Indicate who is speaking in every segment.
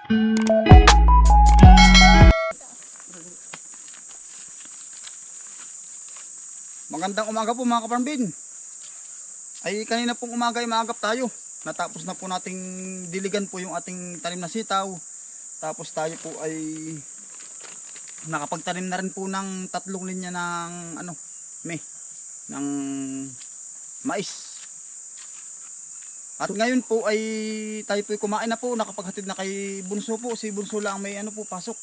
Speaker 1: Magandang umaga po mga kaparmbin. Ay kanina pong umaga ay maagap tayo. Natapos na po nating diligan po yung ating tanim na sitaw. Tapos tayo po ay nakapagtanim na rin po ng 3 linya ng ng mais. At ngayon po ay tayo po ay kumain na po, nakapaghatid na kay Bunso po. Si Bunso lang may pasok.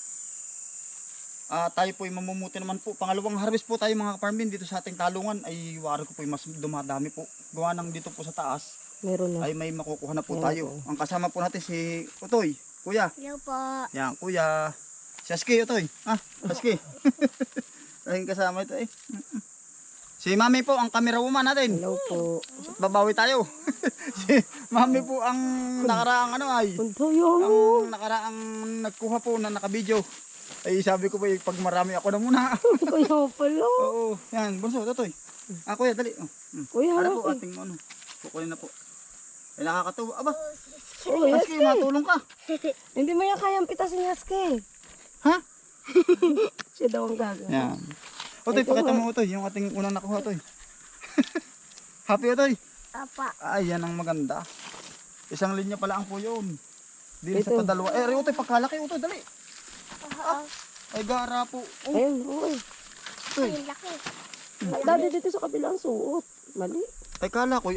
Speaker 1: Tayo po ay mamumuti naman po. Pangalawang harvest po tayo mga kaparmbin dito sa ating talungan. Ay wari ko po ay mas dumadami po. Gawa ng dito po sa taas.
Speaker 2: Meron na.
Speaker 1: Ay may makukuha na po tayo. Ang kasama po natin si Utoy. Kuya.
Speaker 3: Hello po.
Speaker 1: Yan, kuya. Si Aski, Utoy. Aski. Ayun kasama ito eh. Si Mami po ang camera woman natin.
Speaker 2: Hello po.
Speaker 1: At babawi tayo. Si Mami po ang nakaraang ang nakaraang nagkuha po na nakabidyo. Ay sabi ko po pag marami ako na muna.
Speaker 2: Kuya pala.
Speaker 1: Oo, yan, Bunso, Totoy. Kuya, dali.
Speaker 2: Kuya,
Speaker 1: Ano po ating kukunin na po. Ay nakakatuwa. Aba,
Speaker 2: Oh,
Speaker 1: Aski,
Speaker 2: Yaske.
Speaker 1: matulong ka.
Speaker 2: Hindi mo yan kayang pitasin, Yaske.
Speaker 1: Ha?
Speaker 2: Siya daw ang gagawin.
Speaker 1: Yan. Otoy, pakita mo Otoy, yung ating unang nakuha Otoy. Happy Otoy.
Speaker 3: Apa.
Speaker 1: Ay, yan ang maganda. Isang linya pala ang po yun. Dili sa
Speaker 2: Ito.
Speaker 1: padalawa. Otoy, pagkalaki Otoy, dali. Ay, gara po.
Speaker 2: Ayun, uy.
Speaker 1: Otoy.
Speaker 3: Ay, laki.
Speaker 2: Dati dito sa kabilang suot. Mali.
Speaker 1: Ay, kala ko,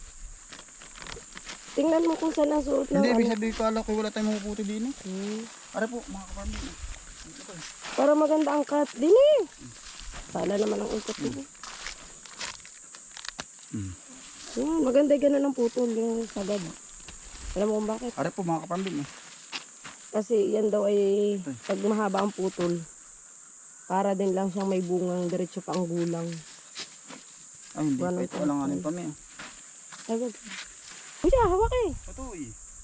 Speaker 2: Tingnan mo kung saan ang suot ng
Speaker 1: Hindi, ibig
Speaker 2: ano.
Speaker 1: sabihin kala ko wala tayong mapuputi din.
Speaker 2: Hmm.
Speaker 1: Ara po, mga kaparmin. Otoy.
Speaker 2: Para maganda ang cut. Dini. Sala naman ang ikot mo. Maganda yung ganun ang putol yung sagad. Alam mo kung bakit?
Speaker 1: Ara po, mga kaparmin.
Speaker 2: Kasi yan daw ay pag mahaba ang putol. Para din lang siyang may bungang diretso pa ang gulang.
Speaker 1: Ay, hindi pa
Speaker 2: Walang
Speaker 1: ito. Alanganin pa may.
Speaker 2: Agad. Kuya, hawak eh.
Speaker 1: Otoy.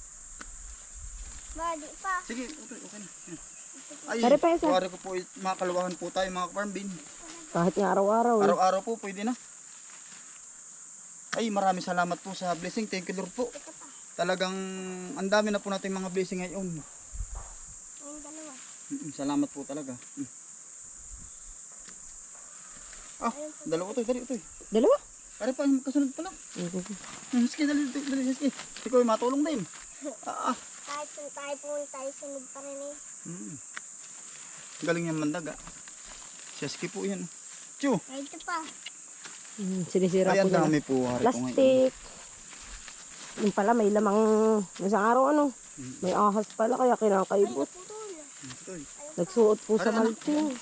Speaker 3: Badi pa.
Speaker 1: Sige, Otoy, okay na. Ay,
Speaker 2: Pare pa isa.
Speaker 1: wari ko po, makakaluwahan po tayo mga kaparmin.
Speaker 2: Kahit nga araw-araw eh.
Speaker 1: Araw-araw po, pwede na. Ay, maraming salamat po sa blessing. Thank you Lord po. Talagang ang dami na po natin mga blessing ngayon.
Speaker 3: Yung dalawa.
Speaker 1: Salamat po talaga. Dalawa to, dali ito.
Speaker 2: Dalawa?
Speaker 1: Pare pa, kasunod pa lang. Sige, dali, sige. Ikaw ay matulong din.
Speaker 3: Kahit kung tayo pumunta, tayo sunod pa rin eh.
Speaker 1: Galing yung mandaga. Siyaski po yan. Chu!
Speaker 3: Ay, ito pa.
Speaker 2: Sinisira
Speaker 1: Ay,
Speaker 2: ko
Speaker 1: ang
Speaker 2: na.
Speaker 1: dami po. Hari ko ngayon.
Speaker 2: Plastic. Yung pala may lamang isang araw ano. May ahas pala kaya kinakaibot.
Speaker 3: Putol.
Speaker 1: Ito.
Speaker 2: Nagsuot po sa malting.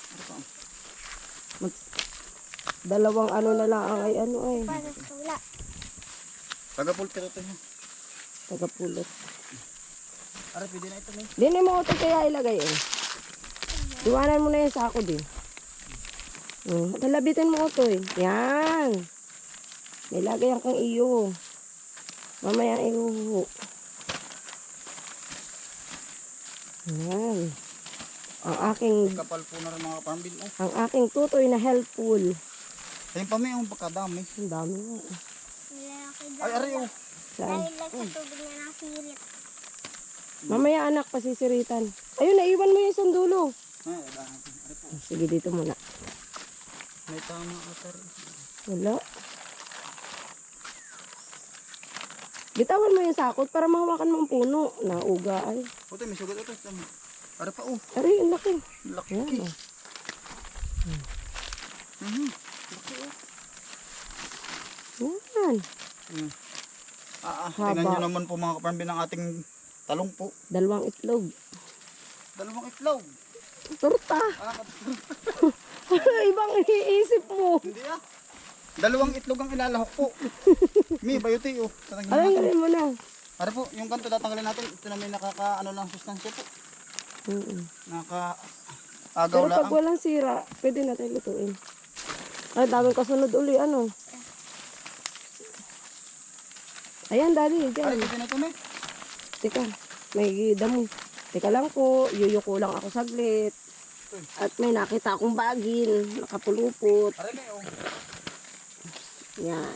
Speaker 2: Dalawang ano na lang ang ay ano ay.
Speaker 3: Para sa wala.
Speaker 1: Taga-pulpito ito.
Speaker 2: Tagapulot.
Speaker 1: Ara, pwede na ito.
Speaker 2: Din mo ito kaya ilagay eh. Iwanan mo na yung sako din. Talabitin mo ito eh. Yan. May lagay ang kang iyo. Mamaya ihuhu. Yan. Ang aking
Speaker 1: Kapal po na rin mga kapambin.
Speaker 2: ang aking tutoy na helpful.
Speaker 1: Ayun pa may ang pagkadami.
Speaker 2: Ang dami nga.
Speaker 3: Lalaki
Speaker 1: Ay,
Speaker 3: daw.
Speaker 1: aray oh.
Speaker 2: Saan?
Speaker 3: Dahil lang sa tubig na nasirit.
Speaker 2: Mamaya anak, pasisiritan. Ayun, naiwan mo yung isang dulo.
Speaker 1: Ay, aray po.
Speaker 2: Sige, dito muna.
Speaker 1: May tama ka sir.
Speaker 2: Wala. Bitawan mo yung sakot para mahawakan mo ang puno. Nauga ay.
Speaker 1: Puto, may sugat ito. Ara pa oh.
Speaker 2: Aray, ang laki.
Speaker 1: Laki.
Speaker 2: Yan, oh.
Speaker 1: Laki oh.
Speaker 2: Yan.
Speaker 1: Tingnan nyo naman po mga kapambin ang ating talong po.
Speaker 2: 2 itlog.
Speaker 1: 2 itlog.
Speaker 2: Torta. Ibang iniisip mo.
Speaker 1: Hindi 2 itlog ang ilalahok po. May bayuti oh.
Speaker 2: Alam nga mo na.
Speaker 1: Ara po, yung ganito tatanggalin natin. Ito na may nakaka-ano lang sustansya po. Naka-agaw
Speaker 2: Pero
Speaker 1: lang.
Speaker 2: pag walang sira, pwede natin lutuin. Ay, daming kasunod uli. Ano? Ayan, daddy.
Speaker 1: Ay,
Speaker 2: Diyan.
Speaker 1: pwede na ito may.
Speaker 2: Teka, may damo. Teka lang po, yuyuko lang ako saglit. At may nakita akong bagin, nakapulupot.
Speaker 1: Aray may oh.
Speaker 2: Yan.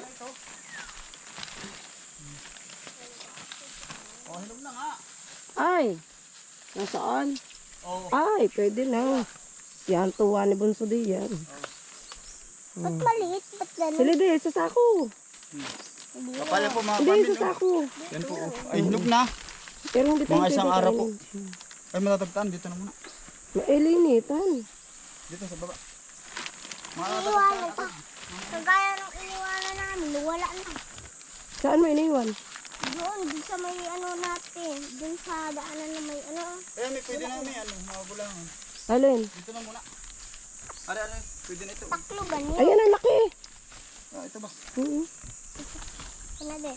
Speaker 1: Oh, hinog na nga.
Speaker 2: Ay, Nasaan?
Speaker 1: Oo.
Speaker 2: Ay, pwede na. Yan, tuwa ni Bunso di yan.
Speaker 3: Ba't maliit? Ba't ganun?
Speaker 2: Sila di, sa sako.
Speaker 1: Kapala po mga
Speaker 2: Hindi,
Speaker 1: pamilya.
Speaker 2: sa sako.
Speaker 1: Yan po. Ay, hinog na.
Speaker 2: Pero hindi tayo
Speaker 1: Mga isang
Speaker 2: pwede
Speaker 1: araw po.
Speaker 2: kainin.
Speaker 1: Ay, matatagtaan. Dito na muna.
Speaker 2: Mailinitan.
Speaker 1: Dito sa baba. Mga
Speaker 3: Iniwanan pa. Kagaya ng iniwanan namin, wala na.
Speaker 2: Saan mo iniwan?
Speaker 3: Doon sa may ano natin. Doon sa daanan na may ano.
Speaker 1: Eh, may pwede na may ano, mga bulangan.
Speaker 2: Alin?
Speaker 1: Dito na muna. Are, pwede na ito.
Speaker 3: Takloban yun.
Speaker 2: Ayan, ang laki.
Speaker 1: Ah, ito ba?
Speaker 2: Mm.
Speaker 3: Ano de?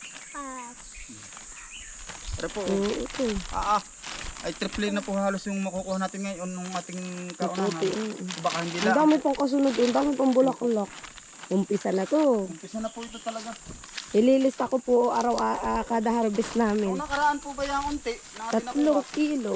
Speaker 1: Are po.
Speaker 2: Ito.
Speaker 1: Ay, triple na po halos yung makukuha natin ngayon nung ating kaunahan.
Speaker 2: Puti.
Speaker 1: Baka hindi
Speaker 2: Ang
Speaker 1: lang.
Speaker 2: dami pang kasunod. Ang dami pang bulaklak. Umpisa na to.
Speaker 1: Umpisa na po ito talaga.
Speaker 2: Ililista ko po araw kada harvest
Speaker 1: Kung
Speaker 2: namin.
Speaker 1: nakaraan po ba yung unti na ating
Speaker 2: 3
Speaker 1: nakuha?
Speaker 2: kilo.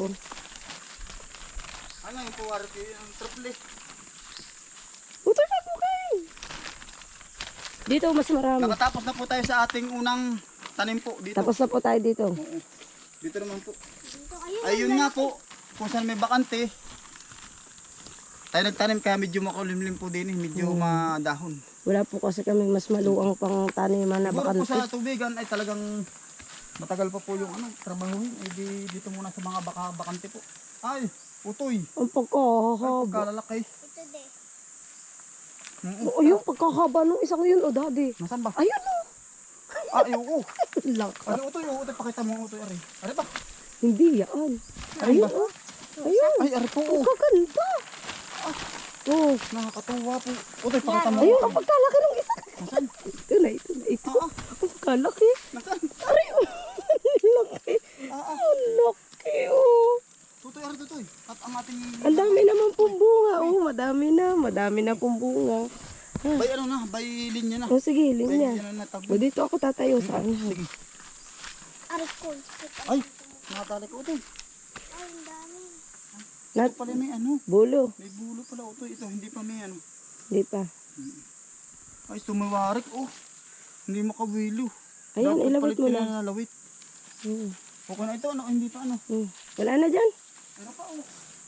Speaker 1: Ano yung po, Arki? Yung triple.
Speaker 2: Ito na po kayo. Dito mas marami.
Speaker 1: Nakatapos na po tayo sa ating unang tanim po dito.
Speaker 2: Tapos na po tayo dito.
Speaker 1: Oo. Dito naman po.
Speaker 3: Dito ayun.
Speaker 1: Ayun nga po, kung saan may bakante. Tayo nagtanim kaya medyo makulimlim po din, medyo madahon.
Speaker 2: Wala po kasi kami mas maluang pang taniman na
Speaker 1: Siguro po
Speaker 2: bakante.
Speaker 1: sa tubigan ay talagang matagal pa po yung ano, trabahuin. Ay dito muna sa mga bakante po. Ay, utoy.
Speaker 2: Ang
Speaker 1: Ay,
Speaker 2: pagkahaba.
Speaker 1: pagkalalaki.
Speaker 3: Ito de.
Speaker 2: Oo, yung pagkahaba nung isang yun, o daddy.
Speaker 1: Nasaan ba?
Speaker 2: Ayun o.
Speaker 1: Ay, oo.
Speaker 2: Laka.
Speaker 1: Ano utoy, oo, utoy, pakita mo utoy, ari. Ari ba?
Speaker 2: Hindi yan.
Speaker 1: Ari
Speaker 2: Ayun
Speaker 1: ba?
Speaker 2: o. Ayun.
Speaker 1: Ay, ari po,
Speaker 2: Ang
Speaker 1: oo.
Speaker 2: kaganda. Oh.
Speaker 1: Nakakatuwa po. Utoy, pakita mo.
Speaker 2: Ayun, ang pagkalaki ng isa.
Speaker 1: Nasaan?
Speaker 2: Ito na, ito na, ito.
Speaker 1: Ah, ah.
Speaker 2: Ang pagkalaki.
Speaker 1: Nasaan?
Speaker 2: Aray, oh. Laki. Ang laki, oh.
Speaker 1: Tutoy, ari, tutoy. At ang ating...
Speaker 2: Ang dami naman pong bunga. Oh, madami na pong bunga.
Speaker 1: Bay ano na, bay linya na.
Speaker 2: Oh, sige,
Speaker 1: Bay
Speaker 2: linya.
Speaker 1: linya na
Speaker 2: O, dito ako tatayo sa ano.
Speaker 1: Sige.
Speaker 3: Arikol.
Speaker 1: Ay, nakatali ko utoy.
Speaker 3: Ay, ang dami.
Speaker 2: Nat,
Speaker 1: Ito pala may ano.
Speaker 2: bulo.
Speaker 1: May bulo pala utoy. Ito, hindi pa may ano.
Speaker 2: Di pa.
Speaker 1: Ay, tumawarik oh. Hindi makawilo.
Speaker 2: Ayan,
Speaker 1: Dapat
Speaker 2: ilawit
Speaker 1: palit
Speaker 2: mo
Speaker 1: nila
Speaker 2: na.
Speaker 1: na lawit.
Speaker 2: Hmm.
Speaker 1: Okay na ito, ano? Hindi pa ano.
Speaker 2: Wala na dyan.
Speaker 1: Ano pa oh.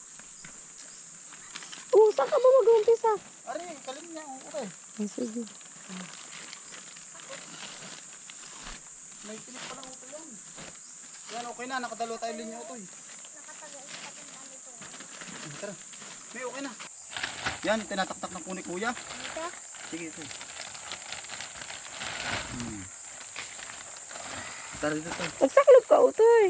Speaker 2: Oh, saan ka ba mag-umpisa?
Speaker 1: Ari, kalim niya. Oh, okay.
Speaker 2: Oh, sige.
Speaker 1: May pilit pala utoy yan. Yan, okay na. Nakadalo tayo linya utoy.
Speaker 3: Nakatagal-tagal na ito.
Speaker 1: Tara. May okay na. Yan, tinataktak na po ni kuya.
Speaker 3: Dito.
Speaker 1: Sige ito. Tara dito tayo.
Speaker 2: Magsaklog ka, utoy.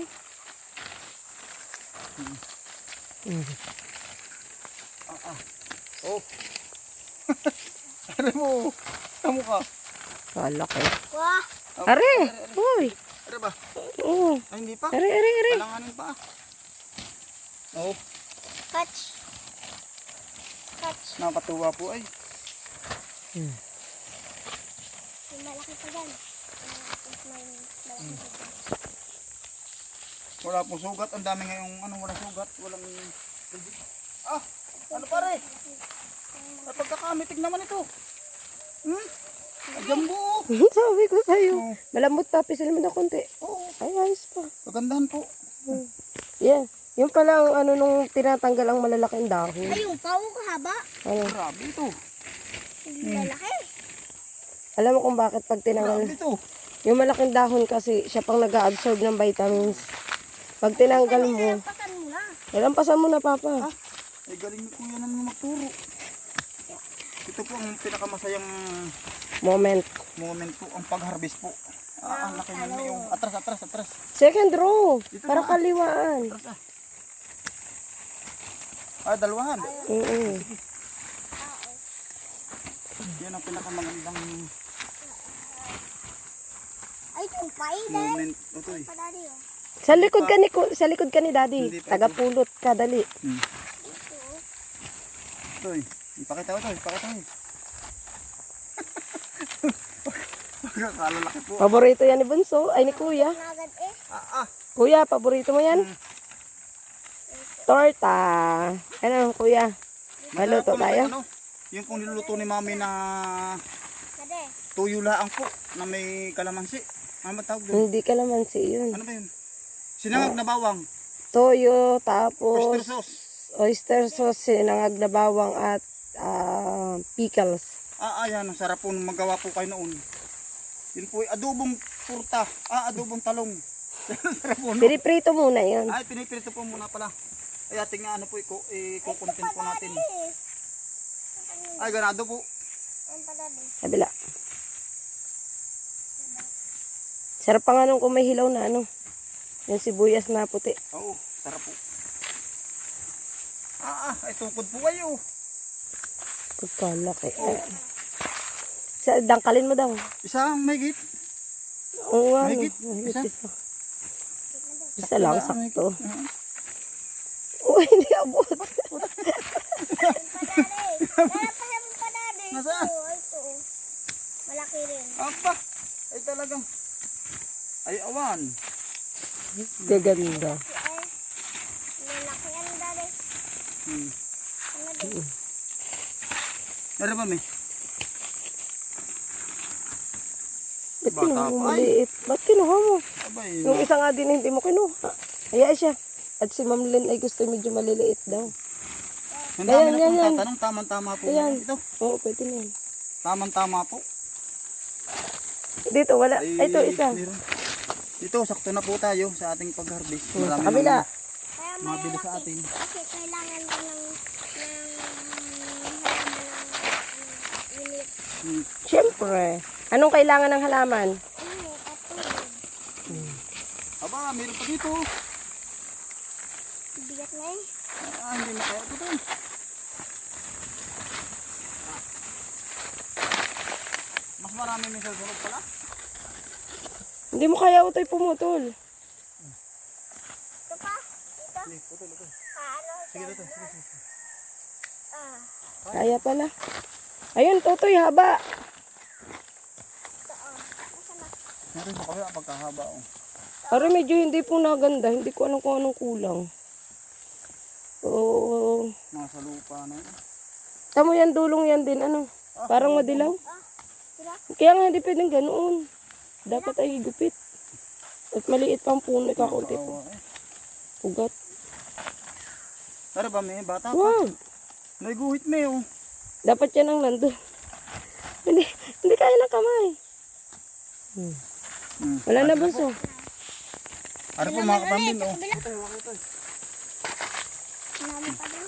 Speaker 1: Oh. Tara mo. Tamo ka.
Speaker 2: Laki.
Speaker 3: Wah.
Speaker 2: Are! Uy!
Speaker 1: Tara ba?
Speaker 2: Oh.
Speaker 1: Ay, hindi pa.
Speaker 2: Are.
Speaker 1: Kalanganin pa. Oh,
Speaker 3: Catch. Catch.
Speaker 1: nakakatuwa po ay.
Speaker 3: May malaki pa dyan. May malaki pa dyan.
Speaker 1: Wala pong sugat. Ang dami ngayong ano, wala sugat. Walang... Ah! Ano pare? Ay, pagkakamitig naman ito. Ay, jambu.
Speaker 2: Sabi ko sa'yo.
Speaker 1: Oh.
Speaker 2: Malambot pa, pisil mo na konti.
Speaker 1: Oo.
Speaker 2: Ay, ayos pa.
Speaker 1: Kagandahan po.
Speaker 2: Yeah. Yung pala ang ano nung tinatanggal ang malalaking dahon.
Speaker 3: Ay, yung pao kahaba.
Speaker 2: Ano?
Speaker 1: Grabe ito.
Speaker 3: Malaki.
Speaker 2: Alam mo kung bakit pag tinanggal.
Speaker 1: Grabe ito.
Speaker 2: Yung malaking dahon kasi siya pang nag-absorb ng vitamins. Pag tinanggal mo,
Speaker 3: Pasan mo na.
Speaker 2: lampasan mo na papa.
Speaker 1: Ay, galing ni kuya naman magturo. Ito po ang pinakamasayang
Speaker 2: Moment.
Speaker 1: moment po, ang pag-harvest po. Ah, ang laki ng yung atras.
Speaker 2: Second row.
Speaker 1: Dito
Speaker 2: Para
Speaker 1: na.
Speaker 2: kaliwaan.
Speaker 1: Atras ah. Ah, dalawahan.
Speaker 2: Oo.
Speaker 1: Yan ang pinakamagandang
Speaker 3: Ay, yung pay din.
Speaker 1: moment. Ito eh.
Speaker 3: Padari oh.
Speaker 2: Sa likod ka ni daddy.
Speaker 1: Hindi pa.
Speaker 2: Tagapulot ka, dali.
Speaker 1: Ito eh. Ipakita ko ito. Pagkakalalaki po.
Speaker 2: Paborito yan ni Bunso. Ay, ni Kuya.
Speaker 3: Agad eh.
Speaker 2: Kuya, paborito mo yan? Torta. Ano, Kuya?
Speaker 1: Masarap
Speaker 2: Maluto
Speaker 1: po na
Speaker 2: tayo?
Speaker 1: ano, yung pong niluluto ni mami na
Speaker 3: Kade.
Speaker 1: tuyo laang po na may kalamansi. Ano ba tawag doon?
Speaker 2: Hindi ka naman si yun.
Speaker 1: Ano ba yun? Sinangag na bawang.
Speaker 2: toyo,
Speaker 1: Oyster
Speaker 2: tapos
Speaker 1: sauce.
Speaker 2: oyster sauce, sinangag na bawang at pickles.
Speaker 1: Ayan, ang sarap po nung magawa po kayo noon. Yun po, adobong purta. Adobong talong. Ang sarap po no?
Speaker 2: Piniprito muna yun.
Speaker 1: Ay, piniprito po muna pala. Ay, ating ano po, ikukontent po natin. Ay, ganado po.
Speaker 3: Ang padali.
Speaker 2: Kabila. Sarap pa nga nung kung may hilaw na ano. Yung sibuyas na puti.
Speaker 1: Oo, sarap po. Ay, tungkod po kayo.
Speaker 2: Pagkalaki. Dangkalin mo daw.
Speaker 1: Isang megit.
Speaker 2: Oo nga.
Speaker 1: Mahigit?
Speaker 2: Mahigit
Speaker 1: Isa?
Speaker 2: isa. Isa lang,
Speaker 1: Wala,
Speaker 2: sakto.
Speaker 1: mahigit.
Speaker 2: Uy, hindi abot.
Speaker 3: Ang padali. Kaya pa yung padali.
Speaker 1: Nasaan?
Speaker 3: Ito. Malaki rin.
Speaker 1: Apa, ay talagang. Ay, awan.
Speaker 2: Gaganda.
Speaker 3: Ay, malaki ang dali. Ano din?
Speaker 1: Meron ba, may?
Speaker 2: Ba't
Speaker 1: Bata
Speaker 2: kinuha mo
Speaker 1: pa,
Speaker 2: maliit? Ba't kinuha mo?
Speaker 1: Abay,
Speaker 2: Yung isa nga din hindi mo kinuha. Hayaan siya. At si Ma'am Lynn ay gusto medyo maliliit daw.
Speaker 1: Ang dami
Speaker 2: Ayan,
Speaker 1: na
Speaker 2: yan,
Speaker 1: pong
Speaker 2: yan.
Speaker 1: tatanong, tamang-tama po.
Speaker 2: Ayan.
Speaker 1: Ito,
Speaker 2: Oo, pwede na yan.
Speaker 1: tamang-tama po.
Speaker 2: Dito, wala. Ay, ito, isa.
Speaker 1: meron. Dito, sakto na po tayo sa ating pag-harvest.
Speaker 2: Sa
Speaker 1: Marami
Speaker 2: kabila.
Speaker 1: nang
Speaker 3: Kaya
Speaker 1: mabili sa
Speaker 3: malaki.
Speaker 1: atin.
Speaker 3: Kasi kailangan ko ng unit.
Speaker 2: Siyempre. Anong kailangan ng halaman?
Speaker 3: At tubig.
Speaker 1: Aba, meron pa dito.
Speaker 3: Bigat na eh.
Speaker 1: Hindi na kaya ito. Mas marami may susunod pala.
Speaker 2: Hindi mo kaya utoy pumutol.
Speaker 3: Ito pa? Ito?
Speaker 1: Hindi, putol ito.
Speaker 3: Ano?
Speaker 1: Sige, ito. Sige.
Speaker 3: Ah.
Speaker 2: Kaya pala. Ayun, tutoy, haba.
Speaker 3: Ito oh. Nasaan na?
Speaker 1: Meron sa kaya pagkahaba. Oh.
Speaker 2: Pero medyo hindi po naganda. Hindi ko alam kung anong kulang. Oo.
Speaker 1: Nasa lupa na yun.
Speaker 2: Tamo yan, dulong yan din. Ano? Parang madilaw.
Speaker 3: Sira?
Speaker 2: Kaya nga hindi pwedeng ganoon. Dapat ay higupit. At maliit pang puno, kakaunti po.
Speaker 1: Kawawa, eh.
Speaker 2: Ugat.
Speaker 1: Pero ba may bata pa?
Speaker 2: Wag.
Speaker 1: May guhit may oh.
Speaker 2: Dapat yan ang nandun. hindi kaya ng kamay. Wala na bunso.
Speaker 1: Ano po mga kapambin oh.
Speaker 3: Marami pa daw.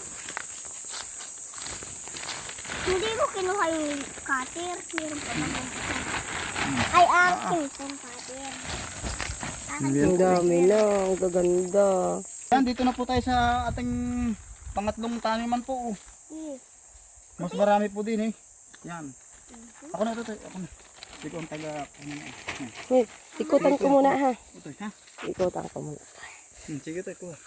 Speaker 3: Hindi mo kinuha yung cutter. Meron pa ba? Ay, akin itong cutter.
Speaker 2: Ang dami na. Ang gaganda.
Speaker 1: Yan, dito na po tayo sa ating pangatlong taniman po oh.
Speaker 3: Yes.
Speaker 1: Mas marami po din eh. Yan. Ako na ito. Ako na. Hindi ko ang taga.
Speaker 2: Wait, ikutan ko muna ha.
Speaker 1: Ito ha.
Speaker 2: Ikutan ko muna.
Speaker 1: Sige ito. Ito.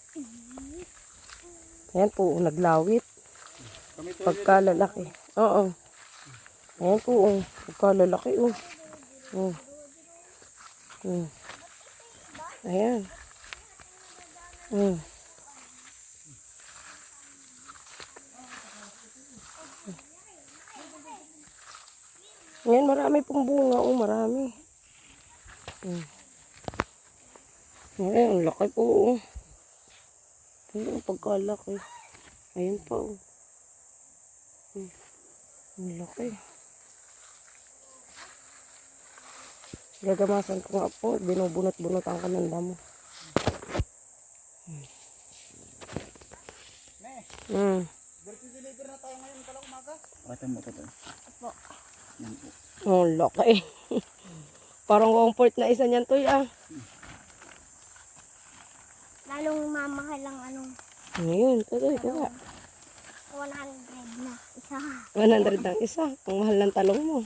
Speaker 2: Ayan po, naglawit.
Speaker 1: Kami to.
Speaker 2: Pagkalalaki. Oo. Ayan po, oh. Pagkalalaki, oh. Oh. Oh. Ayan. Oh. Ayan, marami pong bunga, oh. Marami. Oh. Ayan, ang laki po, oh. Ayan, ang pagkalaki. Ayan pa, oh. Ang laki. Gagamasan ko nga po. Binubunot-bunotan ka ng damo.
Speaker 1: Birthday deliver na tayo ngayon pala umaga. Ito mo ito.
Speaker 3: Opo.
Speaker 1: Yan po.
Speaker 2: Ang laki. Parang comfort na isa niyan, Toy, ah.
Speaker 3: Lalong mamahal ang anong
Speaker 2: Ngayon, Toy, kuha.
Speaker 3: 100 na isa.
Speaker 2: 100 ang isa. Ang mahal ng talong mo.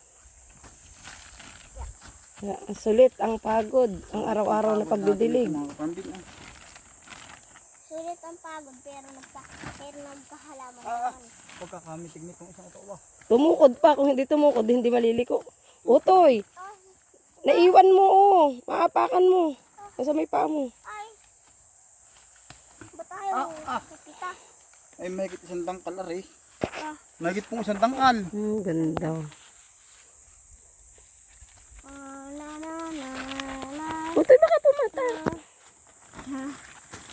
Speaker 2: Ang sulit, ang pagod, ang araw-araw na pagdidilig.
Speaker 1: Mga kapambin ah.
Speaker 3: Sulit ang pagod pero nagkahalaman
Speaker 1: Ah,
Speaker 3: naman.
Speaker 1: pagkakamitig nitong isang ito ba?
Speaker 2: Tumukod pa. Kung hindi tumukod, hindi maliliko. Utoy, naiwan mo, oh. Maapakan mo. Nasa may paa mo.
Speaker 3: Ay! Ba't tayo kita?
Speaker 1: Ay, mahigit isang tangkal ari.
Speaker 3: Ah.
Speaker 1: Mahigit pong isang tangkal.
Speaker 2: Ganda.
Speaker 3: Na na na na.
Speaker 2: Utoy, baka pumata.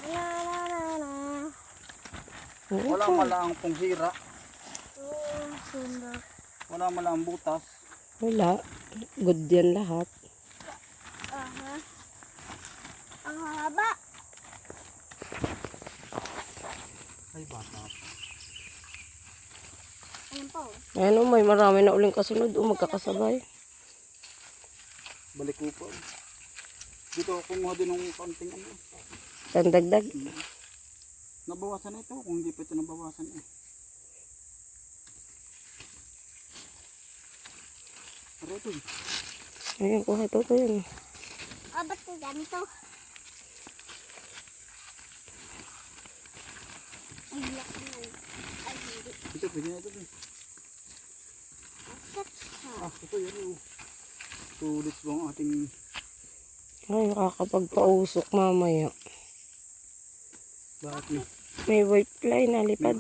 Speaker 1: Wala malaang pong hira.
Speaker 3: Sundo.
Speaker 1: Wala malaang butas.
Speaker 2: Wala. Good yan lahat.
Speaker 3: Aha. Ang haba.
Speaker 1: Ay, bata.
Speaker 3: Ayun po.
Speaker 2: Ayan o, may marami na uling kasunod o magkakasabay.
Speaker 1: Balik ko po. Dito ako kumuha din ng konting ano.
Speaker 2: Tandagdag.
Speaker 1: Nabawasan na ito. Kung hindi pa ito nabawasan eh. Pero ito eh.
Speaker 2: Ayan, kuha ito yun.
Speaker 3: Ah, ba't ang ganito? Ay, laki na. Ay, hindi.
Speaker 1: Ito, pwede na ito eh. Ito yun eh. Tulis ba ang ating...
Speaker 2: Ay, nakakapagpausok mamaya.
Speaker 1: Bakit na?
Speaker 2: May white fly na lipad.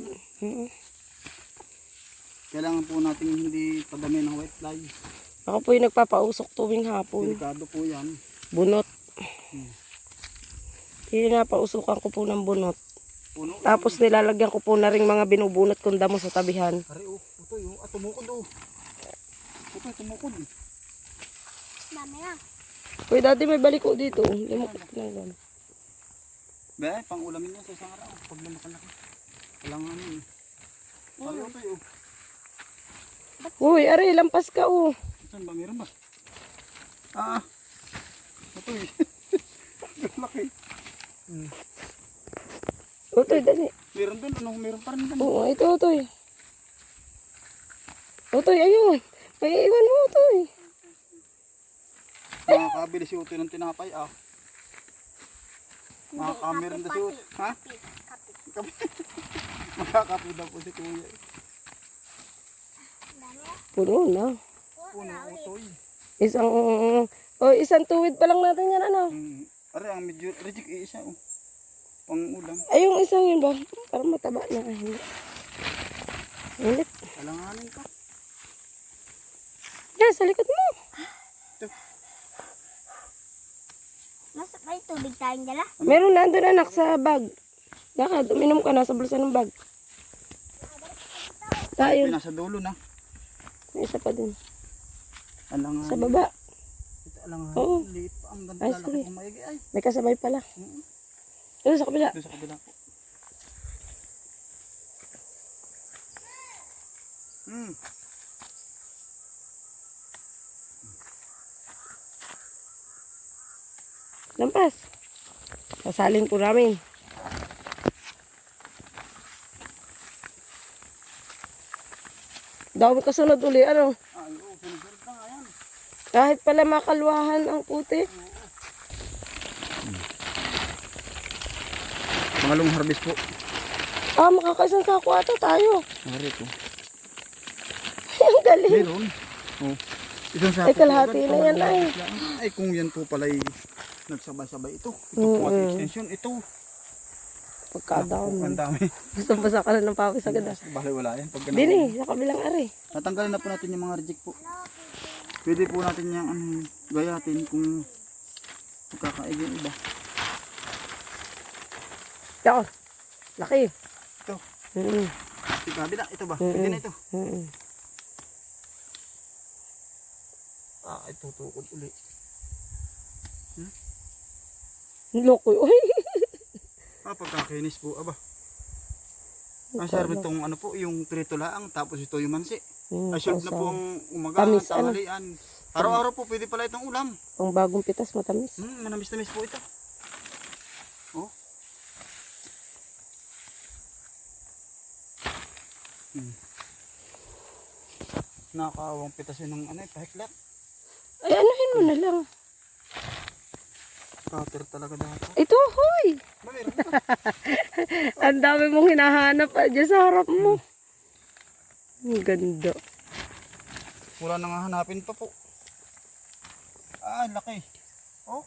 Speaker 1: Kailangan po natin hindi padami ng white fly.
Speaker 2: Ako po yung nagpapausok tuwing hapon.
Speaker 1: Delikado po yan.
Speaker 2: Bunot. Pinapausukan ko po ng bunot.
Speaker 1: Puno.
Speaker 2: Tapos nilalagyan ko po na rin mga binubunot kong damo sa tabihan.
Speaker 1: Ari oh. Ito yun. At tumukod oh. Ito tumukod.
Speaker 3: Dami na.
Speaker 2: Uy, dati may baliko dito. Limukot ko na yan.
Speaker 1: Be, pang ulamin niya sa isang araw. Pag lumakalaki. Kailangan yun. Ari ito yun.
Speaker 2: Uy, aray, lampas ka oh.
Speaker 1: Saan ba? Meron ba? Ah. Ito eh. Laki.
Speaker 2: Utoy, dali.
Speaker 1: Meron doon. Ano? Meron pa rin doon.
Speaker 2: Oo, ito, Utoy. Utoy, ayun. May iwan mo, Utoy.
Speaker 1: Makakabili si Utoy ng tinapay ah. Makakameron na si Utoy. Ha?
Speaker 3: Kapi.
Speaker 1: Makakapi daw po si Kuya.
Speaker 3: Dami.
Speaker 2: Puno na.
Speaker 1: Puno Utoy.
Speaker 2: Isang tuwid pa lang natin yan, ano?
Speaker 1: Ari, ang medyo reject eh isa oh. Pang ulam.
Speaker 2: Ay, yung isang yun ba? Parang mataba na. Ay, hindi. Ulit.
Speaker 1: Kalanganin ka.
Speaker 2: Yan, sa likod mo.
Speaker 3: Mas may tubig tayong dala.
Speaker 2: Meron na doon, anak, sa bag. Lakad, uminom ka na sa bulsa ng bag. Tayo.
Speaker 1: Nasa dulo na.
Speaker 2: May isa pa dun.
Speaker 1: Alanganin.
Speaker 2: Sa baba.
Speaker 1: Ito alanganin.
Speaker 2: Oo.
Speaker 1: Liit pa. Ang ganda
Speaker 2: Ay,
Speaker 1: lalaki
Speaker 2: sige.
Speaker 1: kong maigi. Ay.
Speaker 2: May kasabay pala. Ito sa kabila.
Speaker 1: Doon sa kabila po.
Speaker 2: Lampas. Sasalin po namin. Dami kasunod uli, ano?
Speaker 1: Ay, oo. Sunod-sunod na nga yan.
Speaker 2: Kahit pala makalwahan ang puti.
Speaker 1: Pangalong harvest po.
Speaker 2: Ah, makakaisang sako ata tayo.
Speaker 1: Ari po.
Speaker 2: Ang galing.
Speaker 1: Meron. Oh. Isang sapo
Speaker 2: Ay, kalahati
Speaker 1: po,
Speaker 2: na yan, ay.
Speaker 1: Ay, kung yan po pala nagsabay-sabay ito. Ito po at extension. Ito.
Speaker 2: Pagkadami.
Speaker 1: Ang dami.
Speaker 2: Gusto basa ka na ng pawis agad.
Speaker 1: Bahala wala yan. Pag
Speaker 2: Dini, sa kabilang ari.
Speaker 1: natanggalin na po natin yung mga reject po. Pwede po natin yung gayatin kung magkakaig yung iba.
Speaker 2: Ito. Laki.
Speaker 1: Ito. Ito kabila. Ito ba?
Speaker 2: Mm-mm.
Speaker 1: Pwede na ito.
Speaker 2: Mm-mm.
Speaker 1: Ah, ito tukod ulit.
Speaker 2: Loko. Uy.
Speaker 1: Ah, pagkakinis po. Aba. Ang sarap itong ano po, yung prito laang. Tapos ito yung mansi. Ay, serve na po ang umaga,
Speaker 2: Tamis,
Speaker 1: tanghalian. Araw-araw po pwede pala itong ulam.
Speaker 2: Ang bagong pitas, matamis.
Speaker 1: Manamis-tamis po ito. Oh. Nakakawang pitas yun ng pahiklat.
Speaker 2: Ay, anuhin mo na lang.
Speaker 1: Cutter talaga dapat.
Speaker 2: Ito, hoy.
Speaker 1: Mayroon ka.
Speaker 2: Ang dami mong hinahanap dyan sa harap mo. Ang ganda.
Speaker 1: Wala nang hanapin pa po. Ah, laki. Oh.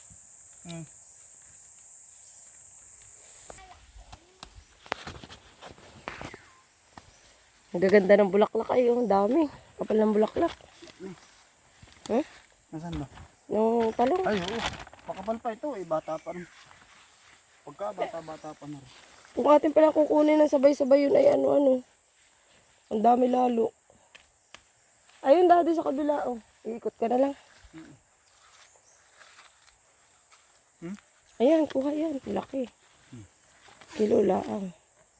Speaker 2: Ang gaganda ng bulaklak ay, ang dami. Kapal ng bulaklak.
Speaker 1: Nasaan ba?
Speaker 2: Yung talong.
Speaker 1: Ay, oo. Pakapal pa ito eh. Bata pa rin. Pagka bata-bata pa na rin.
Speaker 2: Kung atin palang kukunin ng sabay-sabay yun ay ano-ano. Ang dami lalo. Ayun daddy sa kabila oh. Iikot ka na lang. Ayan, kuha yan. Laki. Kilo laang.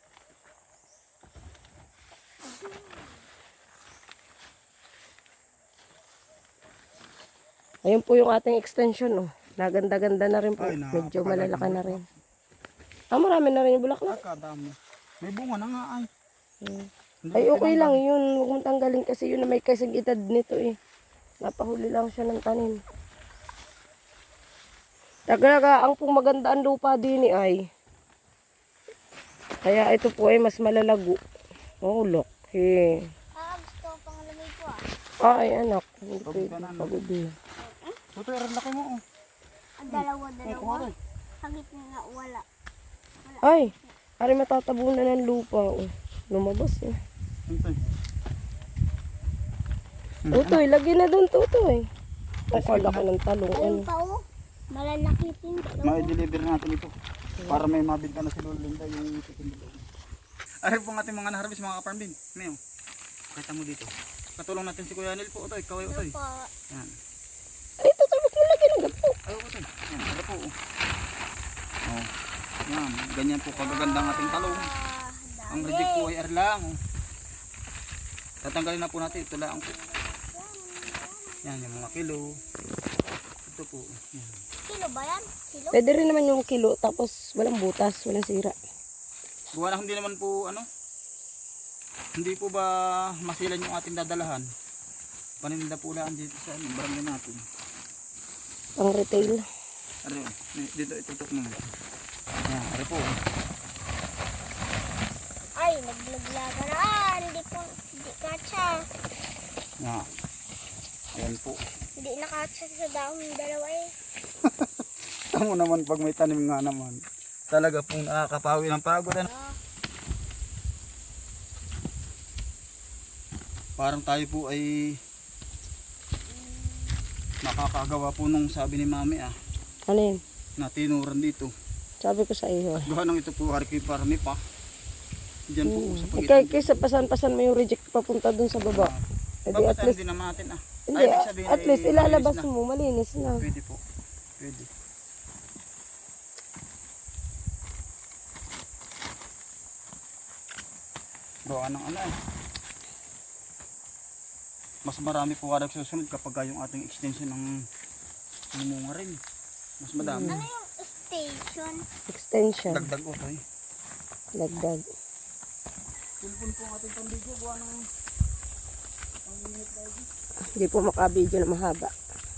Speaker 2: Ayun po yung ating extension oh. Naganda-ganda na rin po.
Speaker 1: Ay,
Speaker 2: Medyo
Speaker 1: napakaganda
Speaker 2: malalaki na rin. Marami na rin yung bulaklak.
Speaker 1: Kadami. May bunga na nga ay. Hindi
Speaker 2: Ay,
Speaker 1: ko
Speaker 2: okay
Speaker 1: tinanggal.
Speaker 2: lang yun. Huwag mong tanggalin kasi yun na may kasigitad nito eh. Napahuli lang siya ng tanim. Talaga, ang pong maganda ang lupa din ay. Kaya ito po ay mas malalago. Oh, look. Hey.
Speaker 3: Gusto ko pang lamig ko ah.
Speaker 2: Ay, anak. Hindi
Speaker 1: Pagod
Speaker 2: pwede.
Speaker 1: ka na, no?
Speaker 2: Pagod din.
Speaker 1: Ito, ang laki mo. Oh.
Speaker 3: Ang dalawa.
Speaker 1: Kuha rin.
Speaker 3: Hagit na nga wala.
Speaker 2: Ay, ari matatabunan ng lupa. Oh. Lumabas eh.
Speaker 1: Ito.
Speaker 2: Tutoy, lagi na doon, Tutoy. Ang kalaki ng talong. Ano.
Speaker 3: Ayun pa oh. Malalaki din.
Speaker 1: Ma-deliver natin ito. Para may mabinta na si Lolinda yung itutulong. Ari po ang ating mga na-harvest mga ka-farm din. Mayo. Kita mo dito. Katulong natin si Kuya Nel po. Utoy, kaway utoy. Yan.
Speaker 2: Ay, Tutoy, ba't mo lagi ng gapo?
Speaker 1: Ay, utoy. Yan, ari po. Oh. Yan, ganyan po kagaganda ang ating talong. Ang reject po ay ari lang. Oh. Tatanggalin na po natin. Ito lang po. Yan, yung mga kilo. Ito po. Yan.
Speaker 3: Kilo ba yan? Kilo?
Speaker 2: Pwede rin naman yung kilo, tapos walang butas, walang sira.
Speaker 1: Gawa na hindi naman po ano. Hindi po ba masilan yung ating dadalahan? Paninda po lang dito sa barangay natin.
Speaker 2: Pang retail.
Speaker 1: Ari, dito itutok mo. Yan, ari po.
Speaker 3: Ay, naglaglaga na. Hindi katsa.
Speaker 1: Yan. Ayan po.
Speaker 3: Hindi nakatsa sa dahon yung dalawa eh.
Speaker 1: Tamo naman pag may tanim nga naman. Talaga pong nakakapawi ng pagod. Ano? Parang tayo po ay nakakagawa po nung sabi ni Mami
Speaker 2: Ano yun?
Speaker 1: na tinuran dito.
Speaker 2: Sabi ko sa iyo.
Speaker 1: Gawa nang ito po hariki parami pa. Diyan po sa
Speaker 2: Kaya
Speaker 1: pagitan.
Speaker 2: kaysa pasan-pasan mo yung reject papunta dun sa baba. Eh di at
Speaker 1: Babasahin
Speaker 2: least,
Speaker 1: din naman natin
Speaker 2: hindi,
Speaker 1: Ay, ibig sabihin
Speaker 2: at
Speaker 1: ay
Speaker 2: least ilalabas
Speaker 1: malinis na.
Speaker 2: mo, malinis na.
Speaker 1: Pwede po. Pwede. Gawa ng ano eh. Mas marami po kada susunod kapag yung ating extension ng munga rin. Mas madami.
Speaker 3: Ano yung station?
Speaker 2: Extension,
Speaker 1: Dagdag ko to eh.
Speaker 2: lagdag.
Speaker 1: Pulpun po ang ating pambigo. Gawa ng
Speaker 2: Hindi po makabidyo na mahaba.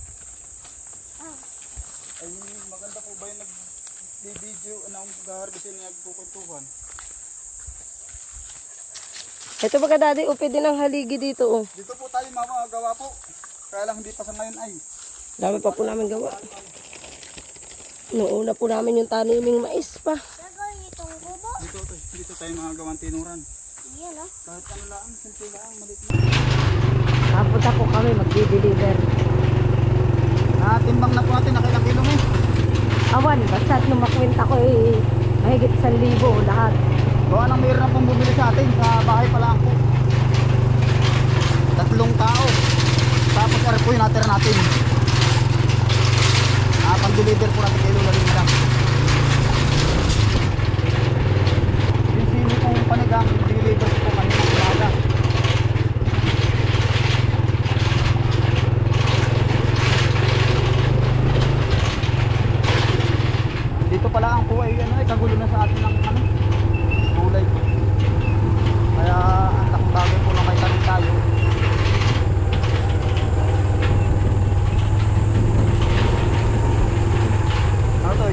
Speaker 1: ay maganda po ba yung nag-video na mag-harvestin na nagkukuntuhan?
Speaker 2: Ito baga daddy, upi din ang haligi dito oh.
Speaker 1: Dito po tayo mamagawa po. Kaya lang hindi pa sa ngayon ay.
Speaker 2: Dami pa po namin gawa. Noong una po namin yung taniming mais pa.
Speaker 3: Gagawin itong kubo?
Speaker 1: Dito tayo magagawang tinuran.
Speaker 3: Yan oh.
Speaker 1: Kahit ano lang, simple lang, maliit na.
Speaker 2: Kapunta po kami, magdi-deliver.
Speaker 1: Timbang na po natin, nakilang kilo mo.
Speaker 2: Awan, basta't nung makwenta ko eh, mahigit 1,000 lahat.
Speaker 1: Gawa nang mayroon na pong bumili sa atin, sa bahay pa lang po. 3 tao. Tapos ari po yung natira natin. Pang-deliver po natin kay Lola Linda. Yung sino pong panigang deliver po kami ng umaga. Dito pala ang po ay ano, kagulo na sa atin ng ano, gulay. Kaya ang laking bagay po na may tanim tayo. Ano to eh?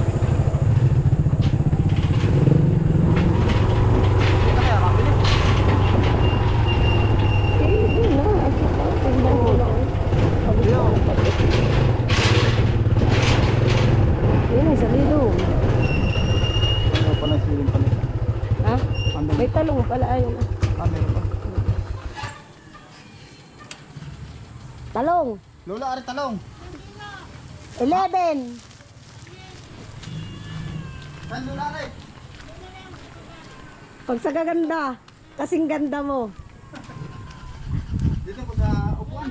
Speaker 1: Hindi na kaya mabilis.
Speaker 2: Yun na, tingnan mo na. Yun ay 1,000.
Speaker 1: Ano pa na siling pa nito?
Speaker 2: Ha?
Speaker 1: Ano?
Speaker 2: May talong pala ayun.
Speaker 1: Meron pa.
Speaker 2: Talong!
Speaker 1: Lola, ari talong.
Speaker 2: 11!
Speaker 1: Saan Lola ari?
Speaker 2: Pag sa gaganda, kasing ganda mo.
Speaker 1: Dito po sa upuan.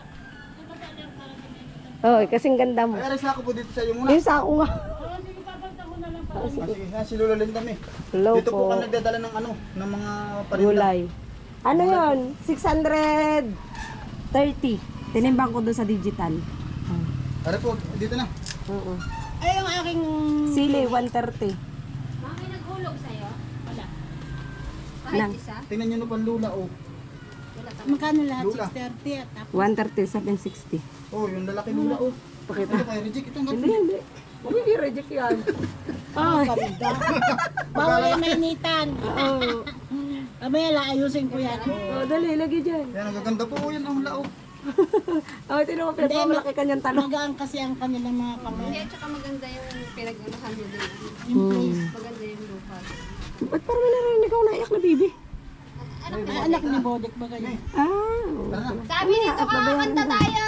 Speaker 2: Oh, kasing ganda mo.
Speaker 1: Ay, aris ako po dito sa iyo muna.
Speaker 2: Yung sako nga.
Speaker 1: Sige, si Lolo Linda mi.
Speaker 2: Hello
Speaker 1: Dito po
Speaker 2: po.
Speaker 1: kami nagdadala ng ano, ng mga parinda.
Speaker 2: Gulay. Ano yon? 630. Tinimbang ko doon sa digital.
Speaker 1: Ari po, dito na.
Speaker 2: Oo.
Speaker 4: Ay, yung aking...
Speaker 2: Sili, 130.
Speaker 5: Mami, naghulog sa'yo? Wala.
Speaker 2: Nang.
Speaker 5: Kahit isa?
Speaker 1: Tingnan niyo no pan lula oh.
Speaker 4: Magkano lahat?
Speaker 1: Lula.
Speaker 4: 630 at tapos
Speaker 2: 130, 760.
Speaker 1: Oh, yung lalaki lula oh.
Speaker 2: Pakita.
Speaker 1: Ito kay Reject ito
Speaker 2: Hindi, hindi. Huwag i-reject yan. Oh,
Speaker 4: ganda. Bawal yung mainitan.
Speaker 2: oh.
Speaker 4: Kamaya ayusin ko yan.
Speaker 2: Oh, dali, lagi dyan.
Speaker 1: Yan, ang gaganda po yan ang lao.
Speaker 2: Oh, tinan mo, pinagmamalaki kanyang talong.
Speaker 4: Magaan kasi ang kanilang mga kamay.
Speaker 5: Hindi, at saka maganda yung pinag-unahan nyo din.
Speaker 4: Yung place.
Speaker 5: Maganda yung lupa.
Speaker 2: Ba't parang may narinig ako naiyak na baby?
Speaker 4: Ay, anak ni Bodek ba kayo?
Speaker 2: Ah.
Speaker 5: Sabi dito ka, kanta tayo!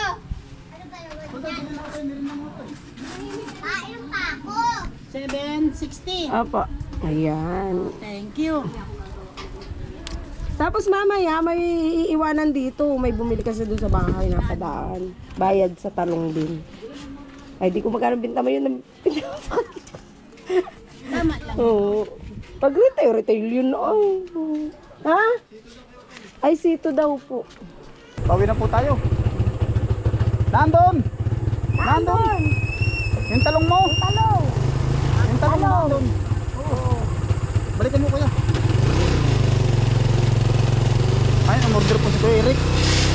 Speaker 3: Kain pa ako.
Speaker 4: 760.
Speaker 2: Opo. Ayan.
Speaker 4: Thank you.
Speaker 2: Tapos mamaya may iiwanan dito. May bumili kasi doon sa bahay na padaan. Bayad sa talong din. Ay, di ko magkano binta mo yun.
Speaker 4: Tama lang.
Speaker 2: Oo. Pag retail yun. Ay. Ha? Ay, sito daw po.
Speaker 1: Pauwi na po tayo. Nandun! Nandun! Yung talong mo! Yung talong! Yung talong mo nandun. Oo. Balikan mo kuya. Ay, ang order po si Kuya Eric.